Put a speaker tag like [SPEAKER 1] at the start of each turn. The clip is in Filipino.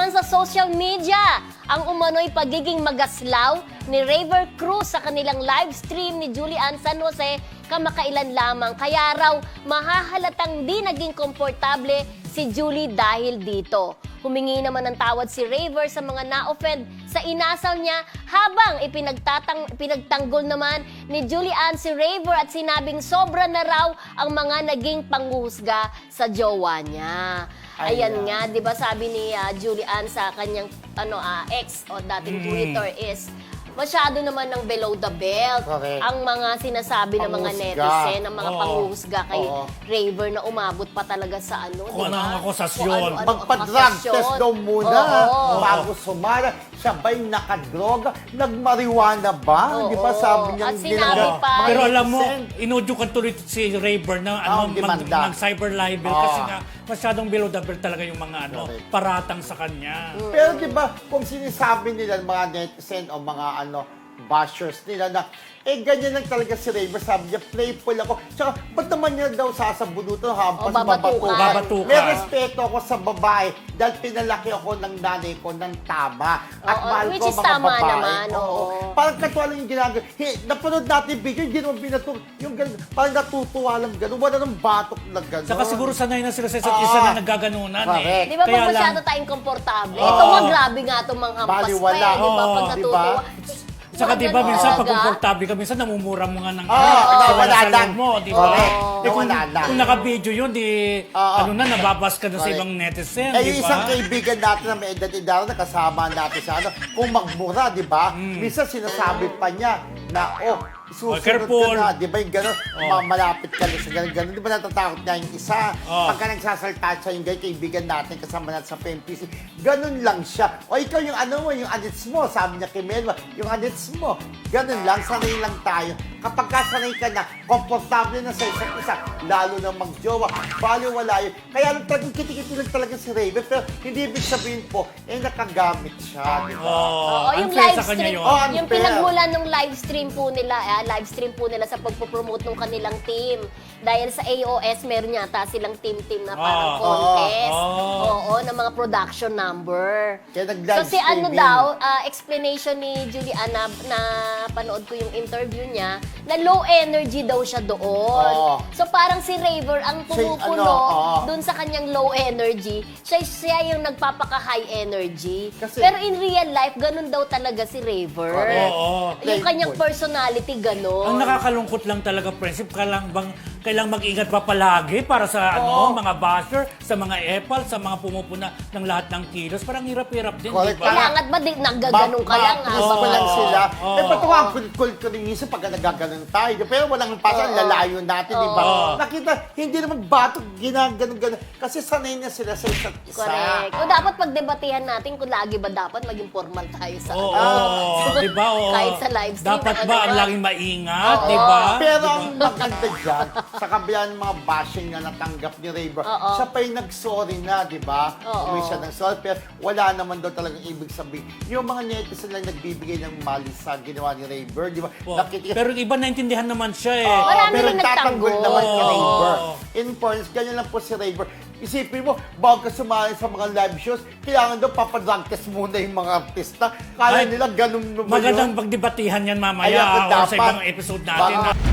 [SPEAKER 1] naman sa social media ang umano'y pagiging magaslaw ni Raver Cruz sa kanilang live stream ni Julian San Jose kamakailan lamang. Kaya raw mahahalatang di naging komportable si Julie dahil dito. Humingi naman ng tawad si Raver sa mga na-offend sa inasal niya habang ipinagtanggol naman ni Julian si Raver at sinabing sobra na raw ang mga naging panghuhusga sa jowa niya. Ayan nga, 'di ba sabi ni Julian sa kanyang ex o dating Twitter is masyado naman ng below the belt.
[SPEAKER 2] Correct.
[SPEAKER 1] Ang mga sinasabi ng mga netizen, ng mga panghuhusga kay Raver na umabot pa talaga sa
[SPEAKER 3] Kung ano ang akusasyon.
[SPEAKER 2] Magpa-drug test daw muna
[SPEAKER 1] Oo.
[SPEAKER 2] bago sumara. Siya ba'y nakadroga? Nagmariwana ba?
[SPEAKER 1] Oo.
[SPEAKER 2] Di ba sabi niya?
[SPEAKER 1] At sinabi pa,
[SPEAKER 3] Pero alam mo,
[SPEAKER 2] netizen.
[SPEAKER 3] inudyukan tuloy si Raver na
[SPEAKER 2] demanda.
[SPEAKER 3] mag-cyber libel kasi nga masyadong below the belt talaga yung mga
[SPEAKER 2] Correct.
[SPEAKER 3] paratang sa kanya.
[SPEAKER 2] Pero di ba, kung sinasabi nila mga netizen o mga bashers nila na ganyan lang talaga si Raver. Sabi niya, playful ako. Tsaka, ba't naman niya daw sasabunutan hampas
[SPEAKER 1] babatukan.
[SPEAKER 3] Babatukan.
[SPEAKER 2] May respeto ako sa babae dahil pinalaki ako ng nanay ko ng tama. At mahal
[SPEAKER 1] which
[SPEAKER 2] ko
[SPEAKER 1] is
[SPEAKER 2] mga
[SPEAKER 1] tama
[SPEAKER 2] babae.
[SPEAKER 1] naman, oo.
[SPEAKER 2] Parang katwa lang yung ginagawa. Napanood natin yung video, hindi naman binatung. Yung ganun, parang natutuwa lang ganun. Wala nang batok na ganun.
[SPEAKER 3] Saka siguro sanay na sila sa isa't isa na nagaganunan
[SPEAKER 2] Correct.
[SPEAKER 1] Di ba
[SPEAKER 3] Kaya
[SPEAKER 1] pag masyado
[SPEAKER 3] lang-
[SPEAKER 1] tayong komportable? Ito nga, grabe nga itong mga hampas
[SPEAKER 2] Baliwala.
[SPEAKER 1] pa eh. Di ba? Pag
[SPEAKER 3] Oo,
[SPEAKER 1] natutuwa.
[SPEAKER 3] Saka di ba
[SPEAKER 1] Ganun
[SPEAKER 3] minsan pag
[SPEAKER 1] talaga.
[SPEAKER 3] komportable ka, minsan namumura mo nga ng
[SPEAKER 2] wala
[SPEAKER 3] sa
[SPEAKER 2] lang.
[SPEAKER 3] loob mo, di ba?
[SPEAKER 2] Correct.
[SPEAKER 3] Eh, kung,
[SPEAKER 2] Wala lang.
[SPEAKER 3] kung naka-video yun, di nababas ka na sa
[SPEAKER 2] Correct.
[SPEAKER 3] ibang netizen,
[SPEAKER 2] Eh,
[SPEAKER 3] di
[SPEAKER 2] yung
[SPEAKER 3] ba?
[SPEAKER 2] isang kaibigan natin na may edad-edad na kasama natin sa kung magmura, di ba? Minsan sinasabi pa niya na, susunod
[SPEAKER 3] careful.
[SPEAKER 2] ka na, di ba yung gano'n, malapit ka na sa gano'n. Di ba natatakot niya yung isa? Pagka nagsasalta siya yung gano'n, kaibigan natin kasama natin sa PMPC, gano'n lang siya. O ikaw yung yung anits mo, sabi niya kay Melba, yung anits mo, gano'n lang, sanay lang tayo. Kapag kasanay ka na, komportable na sa isa't isa, lalo na magjowa, baliwala yun. Kaya lang talagang kitikiti lang talaga si Raven, pero hindi ibig sabihin po, nakagamit siya, di ba?
[SPEAKER 1] Oo, yung
[SPEAKER 3] unfair
[SPEAKER 1] live
[SPEAKER 3] sa kanya
[SPEAKER 1] stream,
[SPEAKER 3] yun.
[SPEAKER 1] yung
[SPEAKER 2] Unfair.
[SPEAKER 1] pinagmulan ng live stream po nila sa pagpo-promote ng kanilang team. Dahil sa AOS, meron yata silang team-team na parang contest. Oo, ng mga production number.
[SPEAKER 2] Kaya nag-live
[SPEAKER 1] So si ano
[SPEAKER 2] streaming.
[SPEAKER 1] daw, explanation ni Julian na panood ko yung interview niya, na low energy daw siya doon.
[SPEAKER 2] Oo.
[SPEAKER 1] So parang si Raver ang pumupuno dun sa kanyang low energy. Siya yung nagpapaka-high energy.
[SPEAKER 2] Kasi-
[SPEAKER 1] Pero in real life, ganun daw talaga si Raver.
[SPEAKER 2] Correct.
[SPEAKER 1] Yung kanyang
[SPEAKER 2] Playful.
[SPEAKER 1] personality, ganun.
[SPEAKER 3] Ang nakakalungkot lang talaga, Prinsip, kailang mag-ingat pa palagi para sa mga basher, sa mga epal, sa mga pumupuna ng lahat ng kilos. Parang hirap-hirap din, di
[SPEAKER 2] Correct.
[SPEAKER 3] ba?
[SPEAKER 1] Kailangan ba naggaganong ka lang?
[SPEAKER 2] Please pa lang sila.
[SPEAKER 3] Oo.
[SPEAKER 2] Ba't ako ang kulit ko rin minsan pagka nagaganon tayo. Pero walang pasan, lalayo natin, di ba? Nakita, hindi naman batok, ginaganon-ganon. Kasi sanay na sila sa isa't isa.
[SPEAKER 1] Correct. O dapat pagdebatehan natin kung lagi ba dapat maging formal tayo sa
[SPEAKER 3] Di ba?
[SPEAKER 1] kahit sa live stream.
[SPEAKER 3] Dapat
[SPEAKER 1] ano
[SPEAKER 3] ba ang
[SPEAKER 1] ba?
[SPEAKER 3] laging maingat, di ba?
[SPEAKER 2] Pero ang maganda dyan, sa kabila ng mga bashing na natanggap ni Raver, siya pa yung nag-sorry na, di ba? Umuwi siya ng sorry, pero wala naman daw talagang ibig sabihin. Yung mga netizen lang nagbibigay ng mali sa ginawa ni Raver, di ba?
[SPEAKER 3] Pero iba naintindihan naman siya eh.
[SPEAKER 1] Marami
[SPEAKER 2] pero
[SPEAKER 1] rin
[SPEAKER 2] nagtatanggol
[SPEAKER 1] nagtanggol.
[SPEAKER 2] naman si
[SPEAKER 3] Oo.
[SPEAKER 2] Raver. In fairness, ganyan lang po si Raver. Isipin mo, bago ka sumali sa mga live shows, kailangan daw papadrug test muna yung mga artista. Kaya
[SPEAKER 3] Ay,
[SPEAKER 2] nila ganun naman
[SPEAKER 3] Magandang
[SPEAKER 2] yun.
[SPEAKER 3] pagdebatihan yan
[SPEAKER 2] Ayan,
[SPEAKER 3] mamaya or sa
[SPEAKER 2] dapat.
[SPEAKER 3] ibang episode natin.